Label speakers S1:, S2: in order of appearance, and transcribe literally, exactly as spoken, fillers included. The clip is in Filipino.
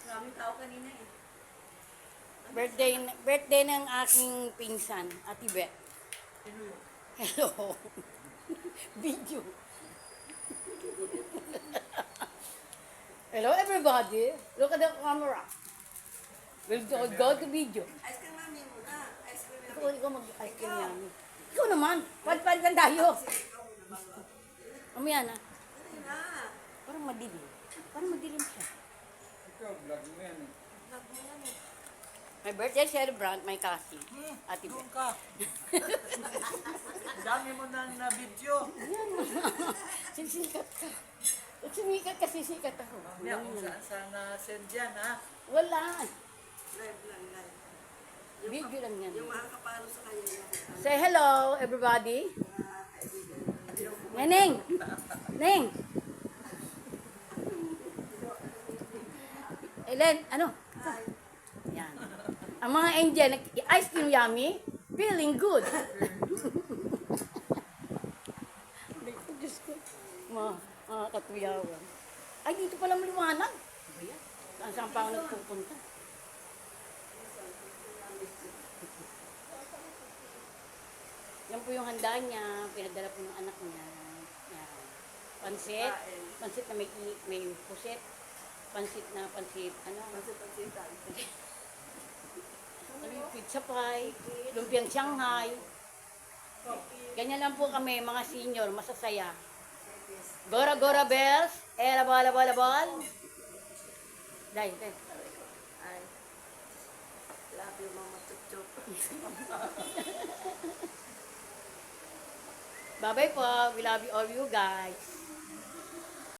S1: Maraming tao kanina eh.
S2: Birthday, birthday ng aking pinsan, Ate Beth.
S1: Sino yun?
S2: Hello. Video. Hello everybody. Look at the camera. We'll go, go to video.
S1: Ice cream mami muna. Ice cream
S2: Ikaw,
S1: mami.
S2: ikaw mag-ice cream yan. Ikaw naman. Pad-pad tayo. Mamaya na.
S1: Dali na.
S2: Parang madilim. Parang madilim siya.
S3: Ikaw, vlog mo yan eh.
S1: Vlog mo yan eh.
S2: My birthday celebrant, my cousin. Ate
S4: Doon
S2: Beth.
S4: ka. Dami mo nang na-video.
S2: Sisikat ka. Pag sumikat ka, sisikat ako.
S4: Mamaya kung saan saan na-send yan, ha?
S2: Wala.
S1: Live lang, live.
S2: Video lang yan.
S1: Yung mga kapalo sa kanya. Yung
S2: Say hello, everybody. Neneng! Neng! Ellen, ano? Yan. Ang mga angel, nag- ice cream yummy, feeling good. Diyos ko. Mga, mga katuyawan. Ay, dito pala maliwanag. Ano yan? Saan saan pa ako nagpupunta? Yan po yung handa niya, pinadala po ng anak niya. Yan. Pansit, pansit na may, i- may puset, pansit na pansit, ano,
S1: pansitan.
S2: ano yung pizza pie, lumpiang Shanghai. Ganyan lang po kami, mga senior, masasaya. Gora Gora Bells, era bala bala bal. Dahil, dahil.
S1: Ay. Love you, Mama Chup-Chup.
S2: Bye-bye po, we love you all you guys.